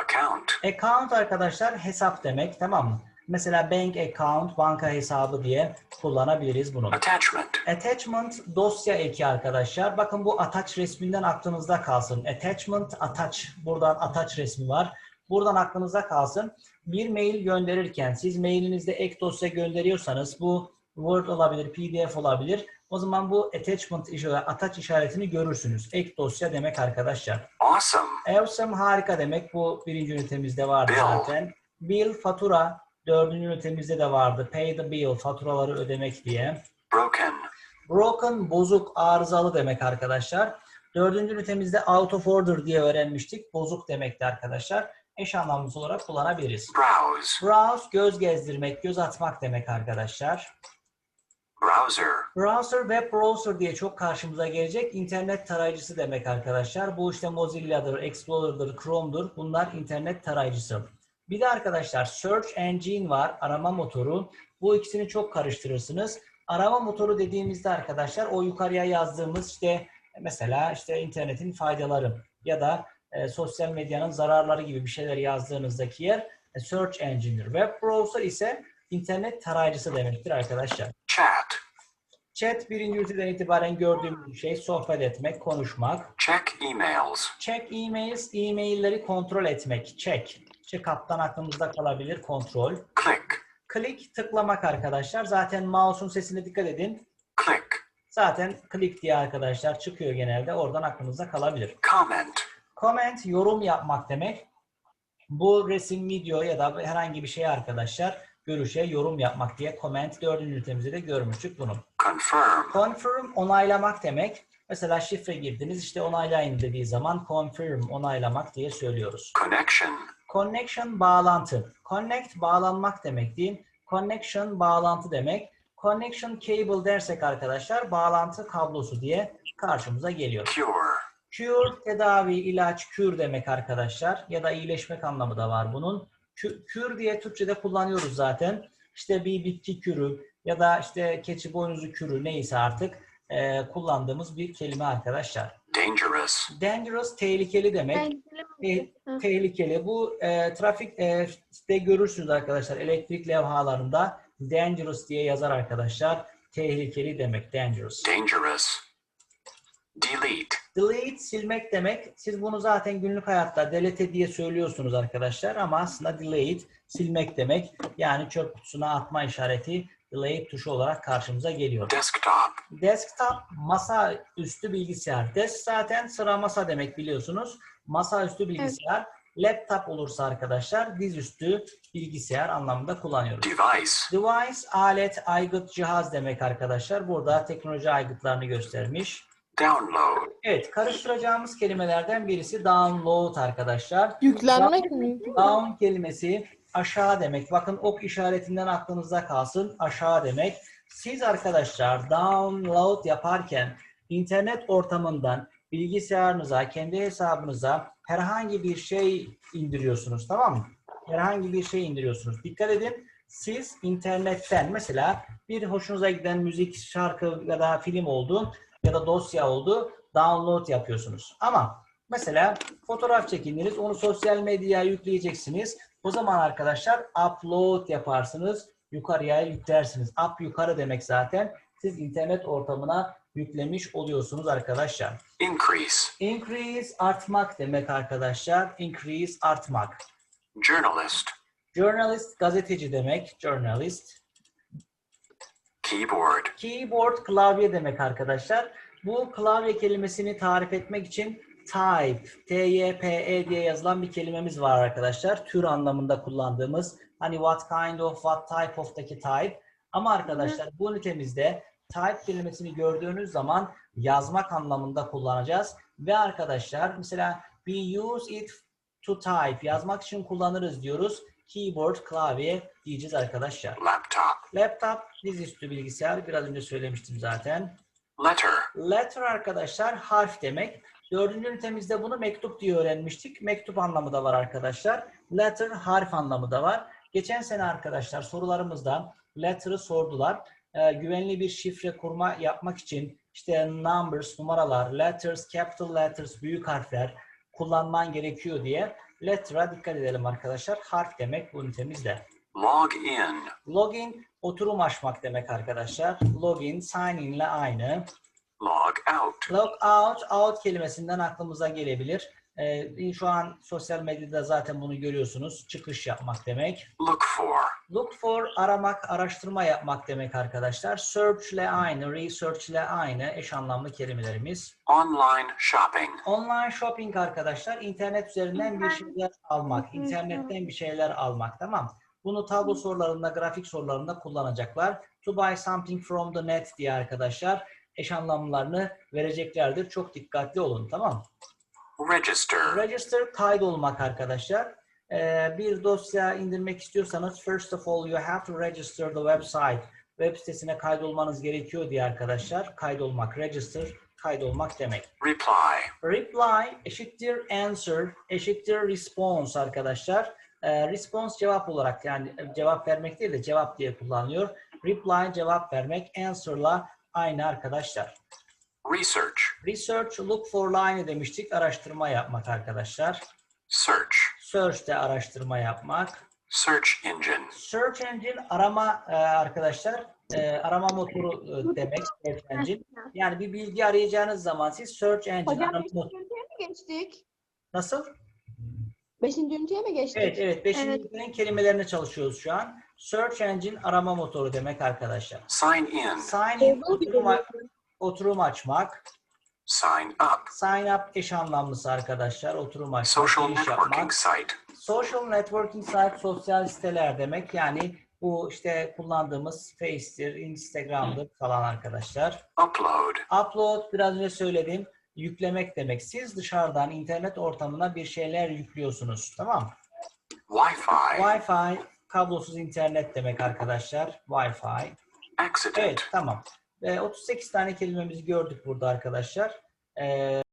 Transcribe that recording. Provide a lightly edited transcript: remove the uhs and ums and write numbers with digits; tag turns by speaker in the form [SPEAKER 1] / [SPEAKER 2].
[SPEAKER 1] Account.
[SPEAKER 2] Account arkadaşlar hesap demek, tamam mı? Mesela bank account, banka hesabı diye kullanabiliriz bunu.
[SPEAKER 1] Attachment.
[SPEAKER 2] Attachment dosya eki arkadaşlar. Bakın bu attach resminden aklınızda kalsın. Attachment, attach. Buradan attach resmi var. Buradan aklınızda kalsın. Bir mail gönderirken siz mailinizde ek dosya gönderiyorsanız bu Word olabilir, PDF olabilir. O zaman bu attach işaretini görürsünüz. Ek dosya demek arkadaşlar.
[SPEAKER 1] Awesome.
[SPEAKER 2] Awesome harika demek. Bu birinci ünitemizde vardı
[SPEAKER 1] Bill.
[SPEAKER 2] zaten. Bill fatura. Dördüncü ünitemizde de vardı. Pay the bill, faturaları ödemek diye.
[SPEAKER 1] Broken.
[SPEAKER 2] Broken, bozuk, arızalı demek arkadaşlar. Dördüncü ünitemizde out of order diye öğrenmiştik. Bozuk demekti arkadaşlar. Eş anlamlısı olarak kullanabiliriz.
[SPEAKER 1] Browse.
[SPEAKER 2] Browse, göz gezdirmek, göz atmak demek arkadaşlar.
[SPEAKER 1] Browser.
[SPEAKER 2] Browser, web browser diye çok karşımıza gelecek. İnternet tarayıcısı demek arkadaşlar. Bu işte Mozilla'dır, Explorer'dır, Chrome'dur. Bunlar internet tarayıcısı. Bir de arkadaşlar search engine var, arama motoru. Bu ikisini çok karıştırırsınız. Arama motoru dediğimizde arkadaşlar o yukarıya yazdığımız işte mesela işte internetin faydaları ya da sosyal medyanın zararları gibi bir şeyler yazdığınızdaki yer search engine'dir. Web browser ise internet tarayıcısı demektir arkadaşlar.
[SPEAKER 1] Chat.
[SPEAKER 2] Chat birinci üniteden itibaren gördüğümüz şey sohbet etmek, konuşmak.
[SPEAKER 1] Check emails.
[SPEAKER 2] Check emails, e-mailleri kontrol etmek. Check-up'tan aklımızda kalabilir, kontrol.
[SPEAKER 1] Click.
[SPEAKER 2] Click, tıklamak arkadaşlar. Zaten mouse'un sesine dikkat edin.
[SPEAKER 1] Click.
[SPEAKER 2] Zaten click diye arkadaşlar çıkıyor genelde. Oradan aklınızda kalabilir.
[SPEAKER 1] Comment.
[SPEAKER 2] Comment, yorum yapmak demek. Bu resim, video ya da herhangi bir şey arkadaşlar görüşe yorum yapmak diye comment 4. ünitemizde de görmüştük bunu.
[SPEAKER 1] Confirm.
[SPEAKER 2] Confirm, onaylamak demek. Mesela şifre girdiniz, işte onaylayın dediği zaman confirm, onaylamak diye söylüyoruz.
[SPEAKER 1] Connection.
[SPEAKER 2] Connection, bağlantı. Connect, bağlanmak demek değil. Connection, bağlantı demek. Connection cable dersek arkadaşlar, bağlantı kablosu diye karşımıza geliyor.
[SPEAKER 1] Cure.
[SPEAKER 2] Cure, tedavi, ilaç, kür demek arkadaşlar. Ya da iyileşmek anlamı da var bunun. Kür diye Türkçe'de kullanıyoruz zaten. İşte bir bitki kürü ya da işte keçi boynuzu kürü neyse artık kullandığımız bir kelime arkadaşlar.
[SPEAKER 1] Dangerous.
[SPEAKER 2] Dangerous, tehlikeli demek. Tehlikeli. Bu trafikte görürsünüz arkadaşlar. Elektrik levhalarında dangerous diye yazar arkadaşlar. Tehlikeli demek. Dangerous.
[SPEAKER 1] Dangerous. Delete.
[SPEAKER 2] Delete, silmek demek. Siz bunu zaten günlük hayatta delete diye söylüyorsunuz arkadaşlar. Ama aslında delete, silmek demek. Yani çöp kutusuna atma işareti delete tuşu olarak karşımıza geliyor.
[SPEAKER 1] Desktop.
[SPEAKER 2] Desktop, masa üstü bilgisayar. Desk zaten sıra masa demek biliyorsunuz. Masa üstü bilgisayar. Evet. Laptop olursa arkadaşlar dizüstü bilgisayar anlamında kullanıyoruz.
[SPEAKER 1] Device.
[SPEAKER 2] Device, alet, aygıt, cihaz demek arkadaşlar. Burada teknoloji aygıtlarını göstermiş.
[SPEAKER 1] Download.
[SPEAKER 2] Evet, karıştıracağımız kelimelerden birisi download arkadaşlar.
[SPEAKER 3] Yüklenmek mi?
[SPEAKER 2] Down kelimesi aşağı demek. Bakın ok işaretinden aklınızda kalsın. Aşağı demek. Siz arkadaşlar download yaparken internet ortamından bilgisayarınıza, kendi hesabınıza herhangi bir şey indiriyorsunuz, tamam mı? Herhangi bir şey indiriyorsunuz. Dikkat edin. Siz internetten mesela bir hoşunuza giden müzik, şarkı ya da film oldu ya da dosya oldu. Download yapıyorsunuz. Ama mesela fotoğraf çekindiniz. Onu sosyal medyaya yükleyeceksiniz. O zaman arkadaşlar upload yaparsınız. Yukarıya yüklersiniz. Up yukarı demek zaten. Siz internet ortamına yüklemiş oluyorsunuz arkadaşlar.
[SPEAKER 1] Increase.
[SPEAKER 2] Increase, artmak demek arkadaşlar. Increase, artmak.
[SPEAKER 1] Journalist.
[SPEAKER 2] Journalist, gazeteci demek. Journalist.
[SPEAKER 1] Keyboard.
[SPEAKER 2] Keyboard, klavye demek arkadaşlar. Bu klavye kelimesini tarif etmek için type, T-Y-P-E diye yazılan bir kelimemiz var arkadaşlar. Tür anlamında kullandığımız. Hani what kind of, what type of'taki type. Ama arkadaşlar bu ünitemizde type kelimesini gördüğünüz zaman yazmak anlamında kullanacağız. Ve arkadaşlar mesela we use it to type, yazmak için kullanırız diyoruz. Keyboard, klavye diyeceğiz arkadaşlar.
[SPEAKER 1] Laptop.
[SPEAKER 2] Laptop, dizüstü bilgisayar. Biraz önce söylemiştim zaten.
[SPEAKER 1] Letter.
[SPEAKER 2] Letter arkadaşlar harf demek. 4. ünitemizde bunu mektup diye öğrenmiştik. Mektup anlamı da var arkadaşlar. Letter harf anlamı da var. Geçen sene arkadaşlar sorularımızda letter'ı sordular. Güvenli bir şifre kurma yapmak için işte numbers, numaralar, letters, capital letters, büyük harfler kullanman gerekiyor diye. Letter'a dikkat edelim arkadaşlar. Harf demek bu ünitemizde.
[SPEAKER 1] Log in.
[SPEAKER 2] Login, oturum açmak demek arkadaşlar. Login, sign in ile aynı.
[SPEAKER 1] Log out.
[SPEAKER 2] Log out, out kelimesinden aklımıza gelebilir. Şu an sosyal medyada zaten bunu görüyorsunuz. Çıkış yapmak demek.
[SPEAKER 1] Look for.
[SPEAKER 2] Look for, aramak, araştırma yapmak demek arkadaşlar. Search ile aynı, research ile aynı eş anlamlı kelimelerimiz.
[SPEAKER 1] Online shopping.
[SPEAKER 2] Online shopping arkadaşlar, internet üzerinden bir şeyler almak, internetten bir şeyler almak, tamam. Bunu tablo sorularında, grafik sorularında kullanacaklar. To buy something from the net diye arkadaşlar eş anlamlarını vereceklerdir. Çok dikkatli olun, tamam.
[SPEAKER 1] Register.
[SPEAKER 2] Register, kaydolmak arkadaşlar. Bir dosya indirmek istiyorsanız first of all you have to register the website. Web sitesine kaydolmanız gerekiyor diye arkadaşlar. Kaydolmak, register, kaydolmak demek.
[SPEAKER 1] Reply.
[SPEAKER 2] Reply eşittir answer, eşittir response arkadaşlar. Response cevap olarak, yani cevap vermek değil de cevap diye kullanılıyor. Reply cevap vermek, answer'la aynı arkadaşlar.
[SPEAKER 1] Research.
[SPEAKER 2] Research, look for'la aynı demiştik. Araştırma yapmak arkadaşlar.
[SPEAKER 1] Search.
[SPEAKER 2] Search de araştırma yapmak.
[SPEAKER 1] Search engine.
[SPEAKER 2] Search engine arama arkadaşlar. Arama motoru demek. Search engine. Yani bir bilgi arayacağınız zaman siz search engine
[SPEAKER 3] Hocam
[SPEAKER 2] arama
[SPEAKER 3] 5.
[SPEAKER 2] motoru.
[SPEAKER 3] üniteye mi geçtik?
[SPEAKER 2] Nasıl?
[SPEAKER 3] 5. üniteye mi geçtik?
[SPEAKER 2] Evet. 5.
[SPEAKER 3] Evet.
[SPEAKER 2] ünitenin kelimelerini çalışıyoruz şu an. Search engine arama motoru demek arkadaşlar.
[SPEAKER 1] Sign in.
[SPEAKER 2] Sign in, oturum açmak.
[SPEAKER 1] Sign up.
[SPEAKER 2] Sign up eş anlamlısı arkadaşlar. Oturum açmak,
[SPEAKER 1] Social
[SPEAKER 2] giriş
[SPEAKER 1] networking
[SPEAKER 2] yapmak.
[SPEAKER 1] site.
[SPEAKER 2] Social networking site, sosyal siteler demek. Yani bu işte kullandığımız Face'tir, Instagram'dır falan arkadaşlar.
[SPEAKER 1] Upload.
[SPEAKER 2] Upload, biraz önce söyledim. Yüklemek demek. Siz dışarıdan internet ortamına bir şeyler yüklüyorsunuz. Tamam.
[SPEAKER 1] Wi-Fi.
[SPEAKER 2] Wi-Fi, kablosuz internet demek arkadaşlar. Wi-Fi.
[SPEAKER 1] Accident.
[SPEAKER 2] Evet, tamam. 38 tane kelimemizi gördük burada arkadaşlar.